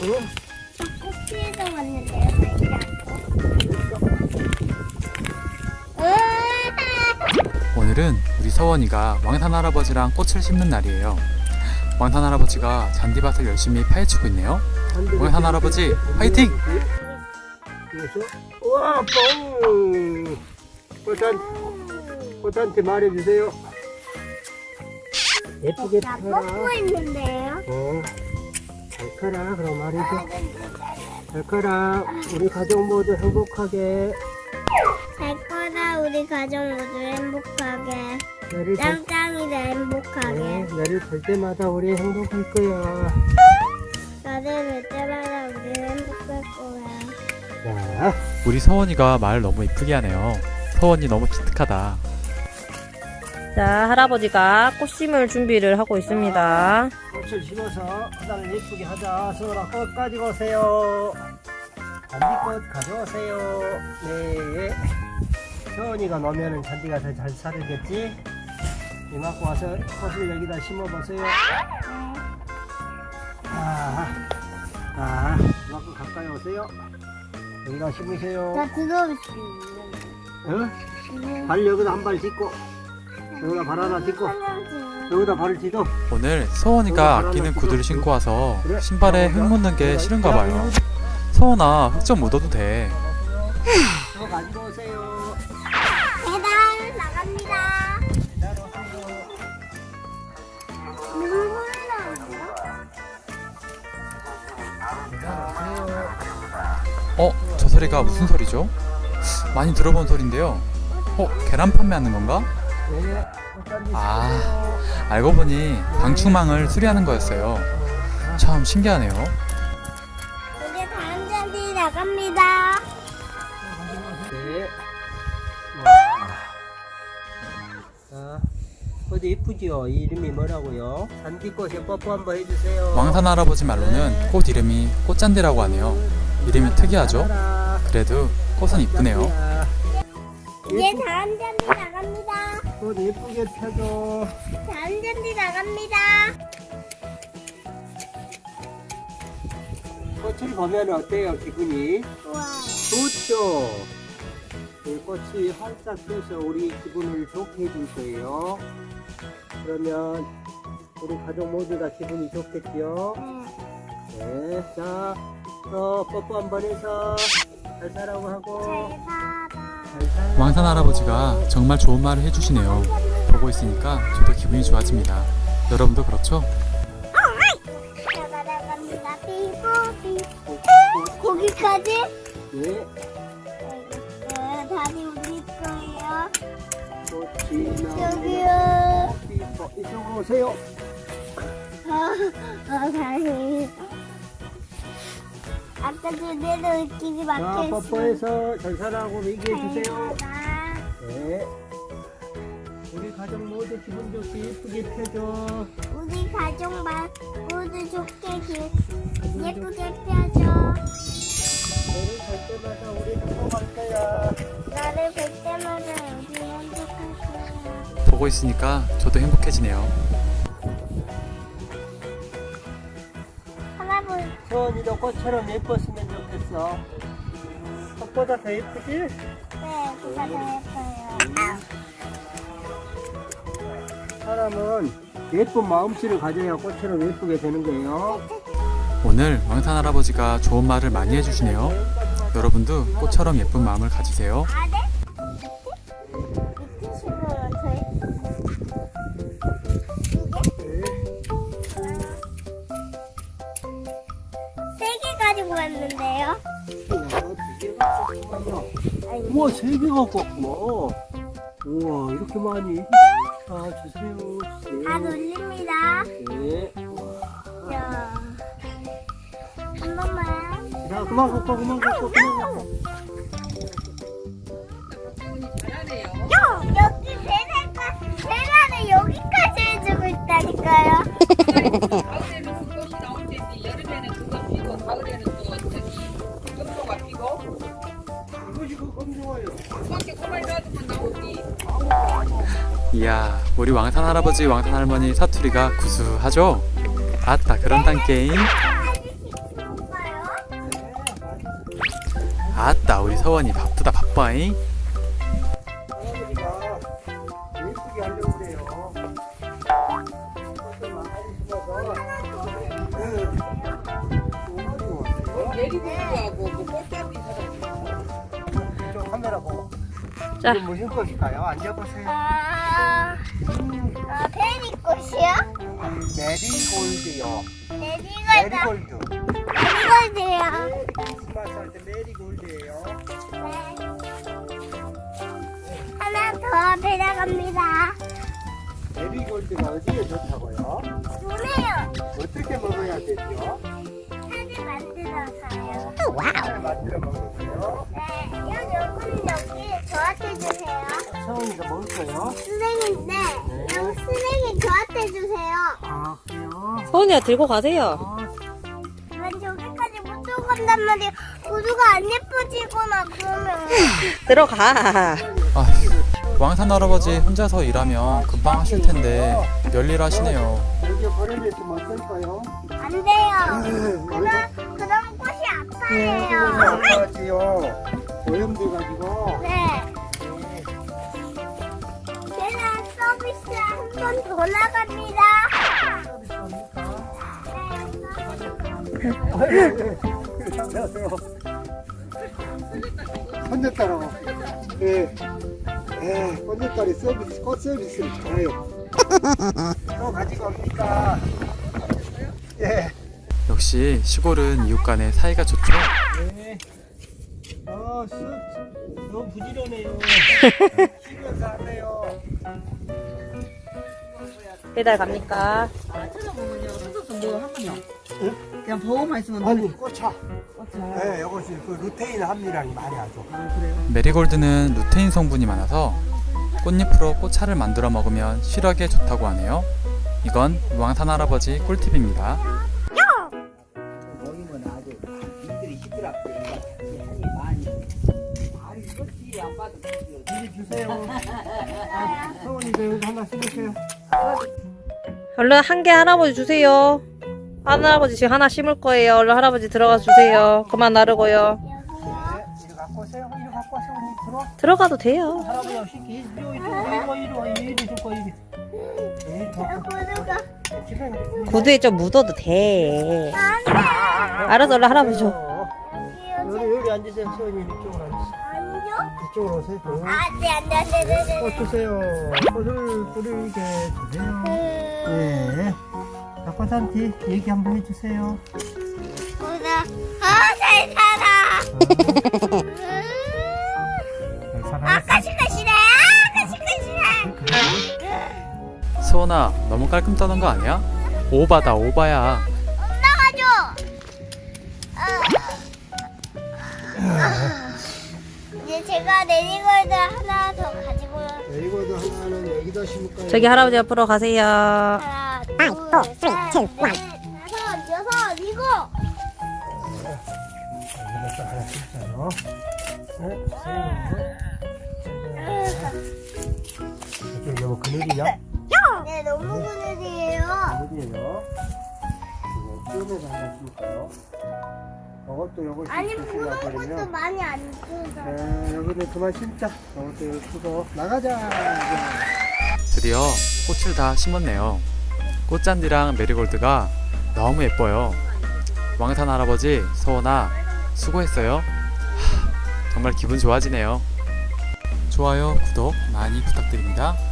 꽃피에서 왔는데요, 살지 않고. 오늘은 우리 서원이가 왕산 할아버지랑 꽃을 심는 날이에요. 왕산 할아버지가 잔디밭을 열심히 파헤치고 있네요. 왕산 할아버지 화이팅! 우와, 뽕! 꽃한테 말해주세요. 예쁘게 나 펴라. 뻗고 있는데요. 잘 커라, 그럼 말이죠. 잘 커라. 우리 가족 모두 행복하게. 잘 커라, 우리 가족 모두 행복하게. 나를 볼, 짱짱이도 행복하게. 나를 볼 때마다 우리 행복할 거야. 나를 볼 때마다 우리 행복할 거야. 자, 우리 서원이가 말을 너무 이쁘게 하네요. 서원이 너무 기특하다. 자, 할아버지가 꽃 심을 준비를 하고 있습니다. 꽃을 심어서 하나를 예쁘게 하자. 서울아, 꽃 가지고 오세요. 잔디꽃 가져오세요. 네. 서원이가 놓으면 잔디가 더 잘 살겠지? 이만큼 와서 꽃을 여기다 심어보세요. 이만큼 가까이 오세요. 여기다 심으세요. 나 들어올 수 어? 발 여기다 한 발 딛고, 여기다 발 하나 딛고, 있는 여기다 발을 딛어. 오늘 서원이가 아끼는 구두를 신고 와서 신발에 흙 묻는 게 싫은가 봐요. 서원아, 흙 좀 묻어도 돼. 저 가지고 오세요. 배달 나갑니다. 눈물 나오네요. 저 소리가 무슨 소리죠? 많이 들어본 소리인데요. 계란 판매하는 건가? 네. 아, 알고 보니 방충망을 수리하는 거였어요. 참 신기하네요. 이제 다음 잔디 나갑니다. 네. 자, 어디 이쁘지요? 이 이름이 뭐라고요? 잔디꽃에 뽀뽀 한번 해주세요. 왕산 할아버지 말로는 꽃 이름이 꽃잔디라고 하네요. 이름이 특이하죠? 그래도 꽃은 이쁘네요. 이제 다음 잔디 나갑니다. 꽃 예쁘게 펴줘. 다음 잔디 나갑니다. 꽃을 보면 어때요? 기분이? 좋아요. 좋죠? 이 꽃이 활짝 펴서 우리 기분을 좋게 해줄 거예요. 그러면 우리 가족 모두가 기분이 좋겠죠? 네. 자, 뽀뽀 한번 해서 잘 살라고 하고. 잘 살아. 잘 살아. 왕산 할아버지가 정말 좋은 말을 해주시네요. 보고 있으니까 저도 기분이 좋아집니다. 여러분도 그렇죠? 나갑니다. 삐뽀삐. 거기까지? 네. 다리 우리 거예요. 꽃이 여기요. 나오면 삐뽀. 이쪽으로 오세요. 다리. 아까 그대로 끼리 자, 막혀있어. 뽀뽀해서 잘 살라고 얘기해 주세요. 네. 우리 가족 모두 기분 좋게 예쁘게 펴줘. 우리 가족만 모두 좋게 예쁘게 펴줘. 너를 볼 때마다 우리 행복할 거야. 나를 볼 때마다 우리 행복할 거야. 보고 있으니까 저도 행복해지네요. 할아버지. 서원이도 꽃처럼 예뻤으면 좋겠어. 꽃보다 더 예쁘지? 네, 그가 더 예뻐요. 사람은 예쁜 마음씨를 가져야 꽃처럼 예쁘게 되는 거예요. 오늘 왕산 할아버지가 좋은 말을 많이 해주시네요. 여러분도 꽃처럼 예쁜 마음을 가지세요. 아, 네? 밑에 식으로 저희 세개 가지고 왔는데요. 우와, 3개 갖고 왔구나. 우와, 이렇게 많이. 자, 주세요. 다 돌립니다. 네. 자, 한 번만. 자, 그만 갖고, 그만 갖고, 그만 갖고. 여기 계란을 여기까지 해주고 있다니까요. 가을에는 그것이 나올 테지 여름에는 그것 피고 가을에는 또 저기 점토가 피고 이것이 그건 좋아요. 그렇게 고만히 놔두면 나오지. 이야, 우리 왕산 할아버지, 왕산 할머니 사투리가 구수하죠? 아따, 그런단 게임. 아저씨 오빠 서원이 바쁘다 바빠잉. 할아버지가 예쁘게 하려고 그래요. 꽃을 많이 심어서 내리고하고 뭐 꽃잡이 사람. 이쪽 카메라 보고. 자. 이게 무슨 꽃일까요? 앉아보세요. 페리꽃이요? 메리골드요. 메리골드. 메리골드. 메리골드요. 크리스마스 할 때 메리골드예요. 하나 더 배나갑니다. 메리골드가 어디에 좋다고요? 좋네요. 어떻게 먹어야 되죠? 사진 만들어서요. 잘 만들어 먹으세요. 네, 여기 저한테 주세요. 서원이가 먹을 거예요? 쓰레기인데 여기 쓰레기 저한테 주세요. 아, 그래요? 서원이가 들고 가세요. 난 저기까지 못 들고 간단 말이에요. 구두가 안 예뻐지거나 그러면. 들어가. 아, 왕산 할아버지 혼자서 일하면 금방 하실 텐데 별일 하시네요. 여기 버려냈으면 어떨까요? 안 돼요. 그럼 꽃이 아파해요. 아파지요. 오염돼가지고. 네. 제가 서비스 한 번 더 나갑니다. 안녕하세요. 손녀딸하고. 예. 예, 손녀딸이 서비스, 꽃 서비스를 잘해요. 또 가지고 옵니까? 예. 역시 시골은 이웃 간의 사이가 좋죠. 네. 너무 부지런해요. 쉬면서 하네요. 배달 갑니까? 찾아보면요, 수석도 뭐 하면요. 그냥 보고만 있으면 아니, 꽃차. 네, 이것이 그 루테인 함유량이 많이 하죠. 메리골드는 루테인 성분이 많아서 꽃잎으로 꽃차를 만들어 먹으면 시력에 좋다고 하네요. 이건 왕산 할아버지 꿀팁입니다. 먹이면 아주 이들이 시끄럽고 한이 많이. 아니, 그렇지, 안 봐도 되지. 이리 주세요. 서원이도 여기 하나 심으세요. 얼른 한 개 할아버지 주세요. 할아버지 지금 하나 심을 거예요. 얼른 할아버지 들어가 주세요. 그만 나르고요. 네, 이리 갖고 오세요. 이리 갖고 와서 언니 들어. 들어가도 돼요. 할아버지 없이 이리 와, 이리 줄 거야, 이리. 이리 줘. 구두가 집에 구두에 좀 묻어도 돼. 알아서 얼른 할아버지 줘. 여기 앉으세요. 서원이 이쪽으로 앉으세요. 아니요? 이쪽으로 오세요. 안돼. 꽃 주세요. 꽃을 뿌리게 주세요. 네. 꽃한테 얘기 한번 해주세요. 구두. 잘 살아. 잘 살아요. 가시가시네. 가시가시네. 수원아, 너무 깔끔 떠는 거 아니야? 오바다 오바야. 나가줘. 이제 제가 내리골드 하나 더 가지고 이거도 하나는 여기다 심을까요? 저기 할아버지 옆으로 가세요. 하나, 둘, 셋, 넷, 다섯, 여섯, 일곱. 여기다 하나 심자요. 이쪽 너무 그늘이냐? 네, 너무 그늘이에요. 그늘이에요. 이거 쯤에서 하나 심을까요? 이것도 요거 아니, 심으시려고 푸른 것도 그러면 많이 안 주서. 네, 여기는 그만 심자. 이것도 여기 쓰고 나가자. 드디어 꽃을 다 심었네요. 꽃잔디랑 메리골드가 너무 예뻐요. 왕산 할아버지, 서원아, 수고했어요. 정말 기분 좋아지네요. 좋아요, 구독 많이 부탁드립니다.